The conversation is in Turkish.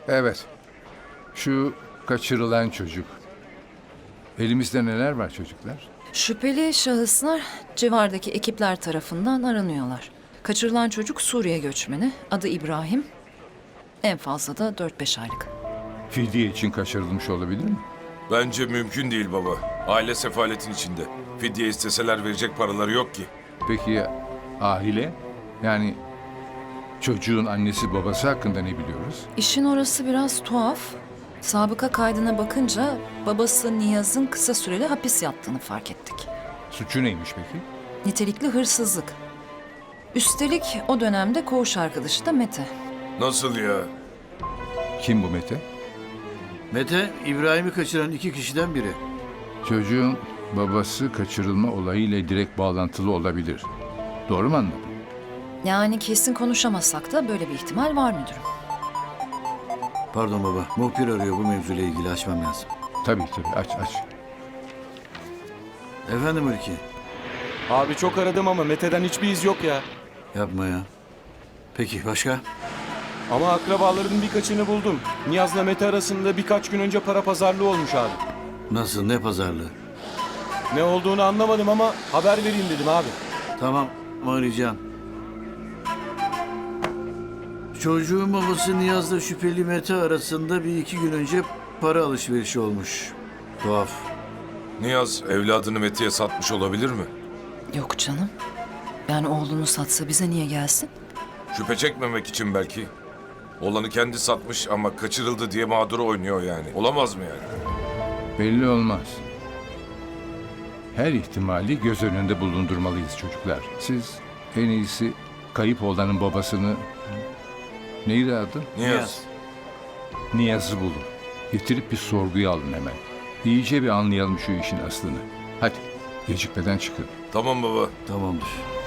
Evet. Şu kaçırılan çocuk. Elimizde neler var çocuklar? Şüpheli şahıslar civardaki ekipler tarafından aranıyorlar. Kaçırılan çocuk Suriye göçmeni, adı İbrahim. En fazla da 4-5 aylık. Fidye için kaçırılmış olabilir mi? Bence mümkün değil baba. Aile sefaletin içinde. Fidye isteseler verecek paraları yok ki. Peki ya aile? Yani çocuğun annesi babası hakkında ne biliyoruz? İşin orası biraz tuhaf. Sabıka kaydına bakınca babası Niyaz'ın kısa süreli hapis yattığını fark ettik. Suçu neymiş peki? Nitelikli hırsızlık. Üstelik o dönemde koğuş arkadaşı da Mete. Nasıl ya? Kim bu Mete? Mete, İbrahim'i kaçıran 2 kişiden biri. Çocuğun babası kaçırılma olayıyla direkt bağlantılı olabilir. Doğru mu anladım? Yani kesin konuşamasak da böyle bir ihtimal var müdürüm. Pardon baba, muhbir arıyor, bu mevzuyla ilgili açmam lazım. Tabii aç. Efendim Ülke, Abi çok aradım ama Mete'den hiçbir iz yok ya. yapma ya. Peki başka? Ama akrabaların birkaçını buldum. Niyaz'la Mete arasında birkaç gün önce para pazarlığı olmuş abi. Nasıl, ne pazarlığı? Ne olduğunu anlamadım ama haber vereyim dedim abi. Tamam, arayacağım. Çocuğun babası Niyaz'la şüpheli Mete arasında 1-2 gün önce para alışverişi olmuş. Tuhaf. Niyaz evladını Mete'ye satmış olabilir mi? Yok canım. Yani oğlunu satsa bize niye gelsin? Şüphe çekmemek için belki. Oğlanı kendi satmış ama kaçırıldı diye mağduru oynuyor yani. Olamaz mı yani? Belli olmaz. Her ihtimali göz önünde bulundurmalıyız çocuklar. Siz en iyisi kayıp oğlanın babasını... Neydi adı? Niyaz. Niyaz'ı bulun. Getirip bir sorguya alın hemen. İyice bir anlayalım şu işin aslını. Hadi gecikmeden çıkın. Tamam baba. Tamamdır.